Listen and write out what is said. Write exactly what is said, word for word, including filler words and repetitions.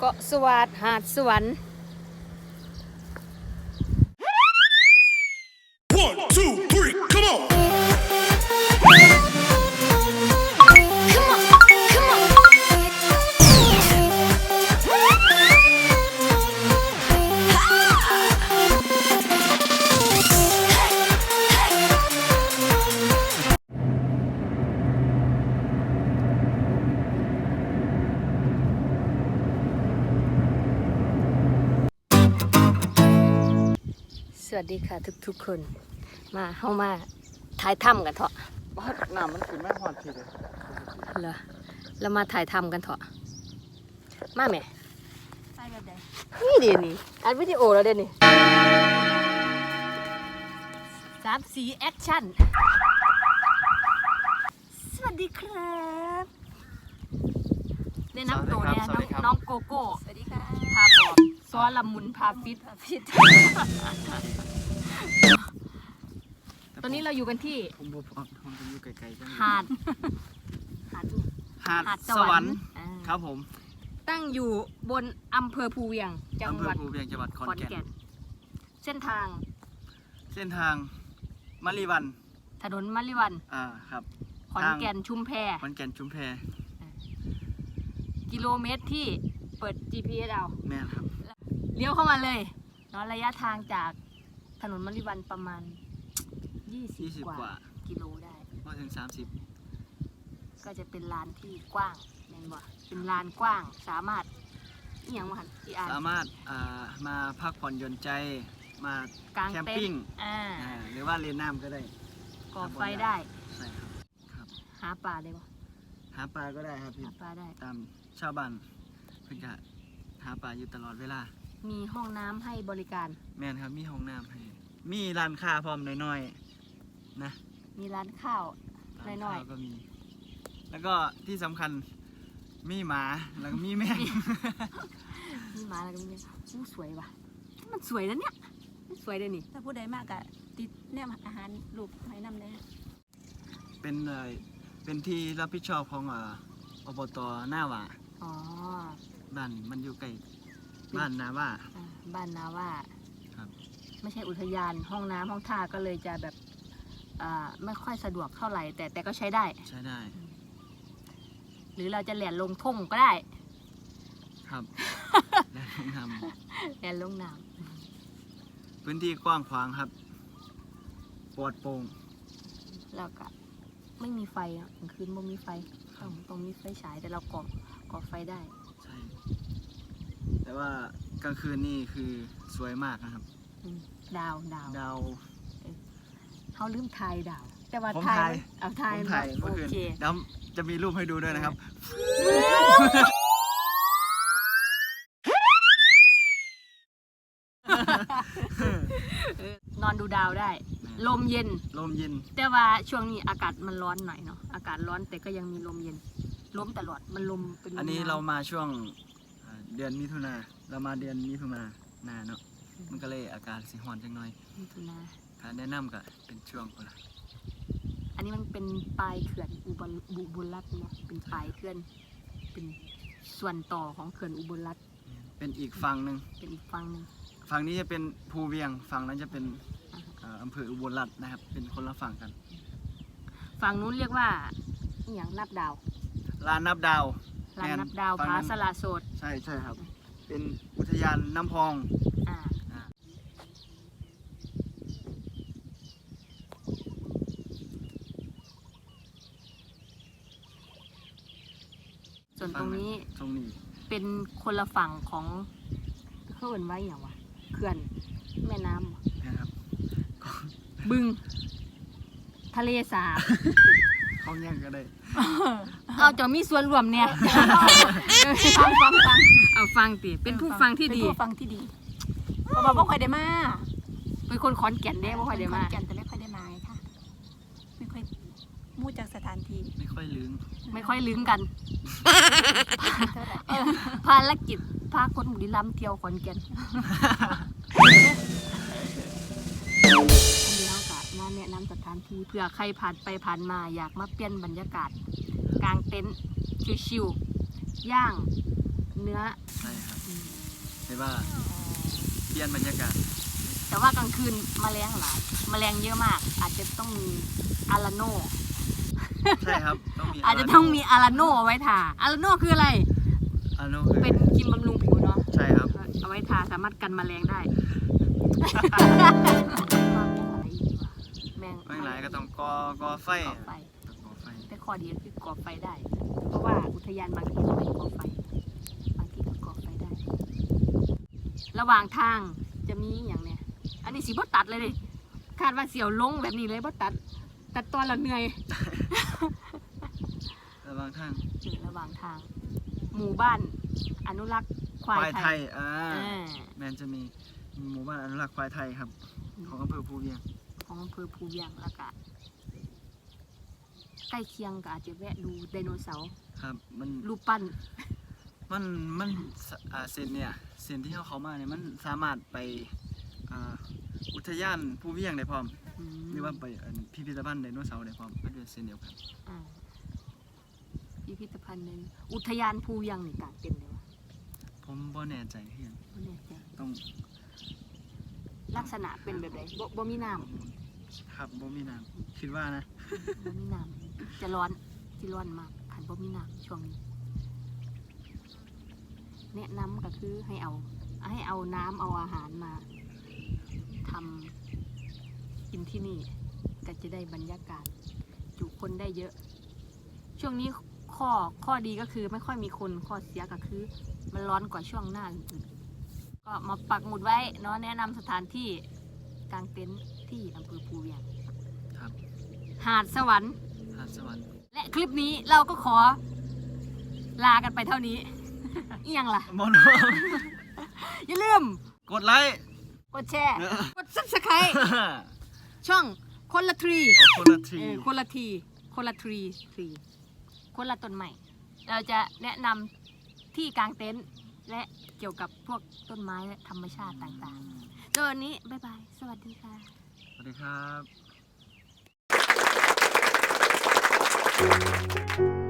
าะสวัสดิ์หาดสวรรค์ One, two, three, come on! สวัสดีค่ะทุกๆคนมาเข้ามาถ่ายถ้ำกันเถอะบ้านน้ำมันขึ้นแม่หอดทีเลยเหรอเรามาถ่ายถ้ำกันเถอะมาแม่ไปแบบใดนี่ดินี่อัดวิดีโอแล้วเด่นนี่สามสีแอคชั่นสวัสดีครับแนะนำตัวเนี่ยน้องน้องโกโก้สวัสดีค่ะพาปอมซ้อละมุนพาฟิตพิษตอนนี้เราอยู่กันที่ผมบอกผมผมจะอยู่ไกลๆกันหาดหาดนี่หาดหาดสวรรค์อ่าครับผมตั้งอยู่บนอำเภอภูเวียงจังอำเภหอวัดภูเวียงจังหวัดขอนขอนแก่นแก่นเส้นทางเส้นทางมะลิวันถนนมะลิวันอ่าครับขอนแก่นชุมแพขอนแก่นชุมแพกิโลเมตรที่เปิด จี พี เอส เอาแม่นครับเลี้ยวเข้ามาเลยเนาะระยะทางจากถนนมะลิวันประมาณ ยี่สิบยี่สิบกว่ากว่ากิโลได้พอถึงสามสิบก็จะเป็นลานที่กว้างแม่นบ่เป็นลานกว้างสามารถอหย่างว่าหันอีอ่านสามารถอ่ามาพักผ่อนหย่อนใจมากางแคมเต็นปิ้งท์อ่าอ่าหรือว่าเล่นน้ำก็ได้ก่อไฟได้ใช่ครับครับหาปลาได้บ่หาปลาก็ได้ครับพี่หาปลาได้ตามชาวบ้านเพิ่นก็หาปลาอยู่ตลอดเวลามีห้องน้ำให้บริการแม่นครับมีห้องน้ำให้มีร้านค้าพร้อมน้อยๆนะมีร้านข้าวร้านน้อยข้าวๆก็มี แล้วก็ที่สำคัญมีหมาแล้วก็มีแมงนี่มาแล้วก็มีอู้สวยว่ะมันสวยนะเนี่ยมันสวยเลยนี่ถ้าผู้ใดมากอะติดแนมอาหารลูกให้นำเลยเป็นเอ่อเป็นที่รับผิดชอบของเอ่ออบตหน้าหว่าอ๋อบ้านมันอยู่ใกล้บ้านนาว่าอ่าบ้านนาว่าครับไม่ใช่อุทยานห้องน้ำห้องท่าก็เลยจะแบบอ่าไม่ค่อยสะดวกเท่าไหร่ แต่แต่ก็ใช้ได้ใช้ได้หรือเราจะแหลนลงทุ่งก็ได้ครับ และห้องน้แหลนลงน้ำพื้นที่กว้างขวางครับปลอดโปร่งำแล้วก็ไม่มีไฟอ่ะกลางคืนไม่มีไฟต้องต้องมีไฟฉายแต่เราก่อก่อไฟได้ใช่ แต่ว่ากลางคืนนี่คือสวยมากนะครับอืมดาวดาวดาวเขาลืมทายดาว แต่ว่าผมทายถ่ายเอาทายผมถ่ายโอเมื่อคืนเคแล้วจะมีรูปให้ดูด้วยนะครับนอนดูดาวได้ ลมเย็นลมเย็นแต่ว่าช่วงนี้อากาศมันร้อนหน่อยเนาะอากาศร้อนแต่ก็ยังมีลมเย็นลมตลอดมันลมเป็นลมอันนี้หวเรามาช่วงอ่าเดือนมิถุนาเรามาเดือนมิถุนาหนาเนาะมันก็เลยอากาศสิร้อนจังหน่อยมิถุนาถ้าแนะนำก็เป็นช่วงคนละอันนี้มันเป็นปลายเขื่อนอุบลบุบุญรัตน์เนาะเป็นปลายเขื่อนเป็นส่วนต่อของเขื่อนอุบลรัตน์เป็นอีกฝั่งหนึ่งเป็นอีกฝั่งหนึงฝั่งนี้จะเป็นภูเวียงฝั่งนั้นจะเป็นอ่าอำเภออุบลรัตน์นะครับ เป็นคนละฝั่งกันฝั่งนู้นเรียกว่าอหย่างนับดาวลานนับดาวลานนับดาวฝั่งผานั้นสลาโสดใช่ใช่ครับ เป็นอุทยานน้ำพองอ่าอ่าส่วนตรงนี้ตรงนี้เป็นคนละฝั่งของเขาเอ่นไว้อย่างวะเขื่อนแม่น้ำเหรอนะครับบึง ทะเลสาบเขาแย่งก็ได้เอาจะมีส่วนรวมเนี่ยฟังฟังฟังเอาฟังติเป็นผู้ฟังที่ดีเป็นผู้ฟังที่ดีเพราะว่าบ่ค่อยได้มาเป็นคนขอนแก่นได้บ่ค่อยได้มาขนแก่นแต่ไม่ค่อยได้มาไงค่ะไม่ค่อยมู่จากสถานที่ไม่ค่อยลืมไม่ค่อยลึงกันเท่าไหร่เออภารกิจพาคนบุรีรัมย์เที่ยวขอนแก่นอันนี้เราก็มาแนะนำสถานที่เผื่อใครผ่านไปผ่านมาอยากมาเปลี่ยนบรรยากาศกลางเต็นท์ชิวๆย่างเนื้อใช่ครับหรือว่าเปลี่ยนบรรยากาศแต่ว่ากลางคืนแมลงหลายแมลงเยอะมาก อาจจะต้องมีอาราโนใช่ครับต้องมีอาจจะต้องมีอาราโนเอาไว้ทาอาราโนคืออะไรอาโนคือเป็นครีมบำรุงผิวเนาะใช่ครับเอาไว้ทาสามารถกันแมลงได้ แมงไม่หลายก็ต้องก่อก่อไฟก่อไฟต้องก่อไฟแต่ข้อดีก็คือก่อไฟได้ เพราะว่าอุทยานบางที่ก็ไม่ก่อไฟ บางที่ก็ก่อไฟได้ ระหว่างทางจะมีอย่างเนี้ย อันนี้สีบตัดเลยดิคาดว่าเสียวลงแบบนี้เลยบตัด ตัดตอนเราเหนื่อยระหว่างทางอยู่ระหว่างทาง หมู่บ้านอนุรักษ์ควายควายไทไทยยอ่าอ่าแมนจะมีหมู่บ้านอนุรักษ์ควายไทยครับ ของอำเภอภูเวียงของอำเภอภูเวียงแล้วก็ใกล้เคียงก็อาจจะแวะดูไดโนเสาร์ครับ มันรูปปั้นมันมันสอ่าเส้นเนี่ยเส้นที่เขาเขามาเนี่ยมันสามารถไปอ่าอุทยานภูเวียงได้พร้อมอืมหรือว่าไปอันพิพิธภัณฑ์ไดโนเสาร์ได้พร้อมมันเป็นเส้นเดียวกันอ่าพิพิธภัณฑ์หนึ่งอุทยานภูเวียงนี่กลางเต็นท์เลยวะผมบ่แน่ใจเพียงบ่แน่ใจต้องลักษณะเป็นแบบไหนบ่บ่มีน้ครับบ่มีน้ำคิดว่านะำบ่มีน้ำจะร้อนที่ร้อนมากขันบ่มีน้ำช่วงนี้ แนะนำก็คือให้เอา ให้เอาน้ำเอาอาหารมาทำกินที่นี่ก็จะได้บรรยากาศ จุคนได้เยอะ ช่วงนี้ข้อข้อดีก็คือไม่ค่อยมีคนข้อเสียก็คือ มันร้อนกว่าช่วงหน้าอื่นๆก็มาปักหมุดไว้เนาะแนะนำสถานที่กางเต็นท์ที่อำเภอภูเวียงครับหาดสวรรค์หาดสวรรค์และคลิปนี้เราก็ขอลากันไปเท่านี้ อีหยังล่ะบ่รู้อย่าลืมกดไลค์กดแชร์ กด ซับสไครต์ช่องคนละทรีเอาคนละทีเออคนละที คนละทรีทรี คนละต้นใหม่ เราจะแนะนำที่กางเต็นท์และเกี่ยวกับพวกต้นไม้และธรรมชาติต่างๆโดยวันนี้ บ๊ายบาย สวัสดีค่ะสวัสดีครับ